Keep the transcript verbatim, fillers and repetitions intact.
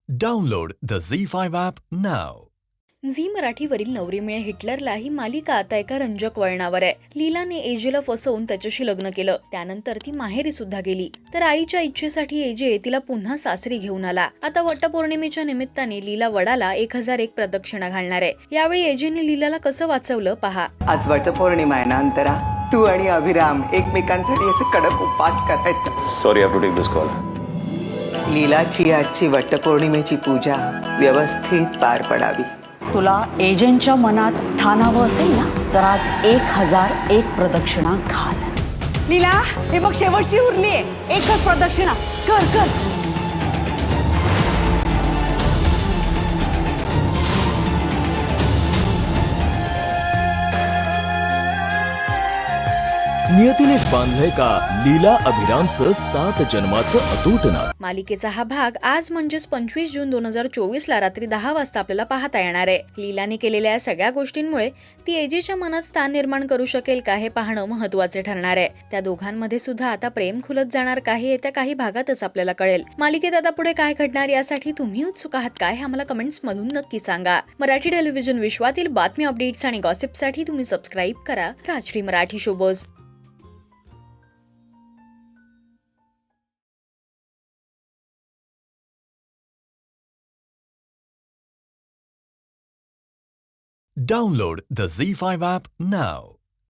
Download the Zee five app now. Zee मराठीवरील नवरी मिळे हिटलरला ही मालिका आता एका रंजक वळणावर आहे. लीलाने एजेला फसवून त्याच्याशी लग्न केलं. त्यानंतर ती माहेरी सुद्धा गेली. तर आईच्या इच्छेसाठी एजे तिला पुन्हा सासरी घेऊन आला. आता वटपौर्णिमेच्या निमित्ताने लीला वडाला एक हजार एक प्रदक्षिणा घालणार आहे. यावेळी एजेने लीलाला कसं वाचवलं पहा. आज वटपौर्णिमा आहे ना अंतरा. तू आणि अभिराम एकमेकांसाठी असे कडक उपवास करायचा. Sorry I have to take this call. लीलाची आजची वटपौर्णिमेची पूजा व्यवस्थित पार पडावी. तुला एजंटच्या मनात स्थान हवं असेल ना तर आज एक हजार एक प्रदक्षिणा घाल. लीला हे बघ शेवटची उरली आहे. एकच प्रदक्षिणा कर कर. नियतीनेच बांधलंय का लीला अभिरामचं सात जन्माचं अतूट नातं. मालिकेचा हा भाग आज म्हणजेच पंचवीस जून दोन हजार चोवीस ला रात्री दहा वाजता आपल्याला पाहता येणार आहे. लीलाने केलेल्या या सगळ्या गोष्टींमुळे ती एजेच्या मनात स्थान निर्माण करू शकेल का हे पाहणं महत्त्वाचे ठरणार आहे. त्या दोघांमध्ये सुद्धा आता प्रेम खुलत जाणार का हे येत्या काही भागातच आपल्याला कळेल. मालिकेत आता पुढे काय घडणार यासाठी तुम्ही उत्सुक आहात काय हे आम्हाला कमेंट्स मधून नक्की सांगा. मराठी टेलिव्हिजन विश्वातील बातमी अपडेट्स आणि गॉसिपसाठी तुम्ही सबस्क्राईब करा Rajshri Marathi showbuzz. Download the Zee five app now.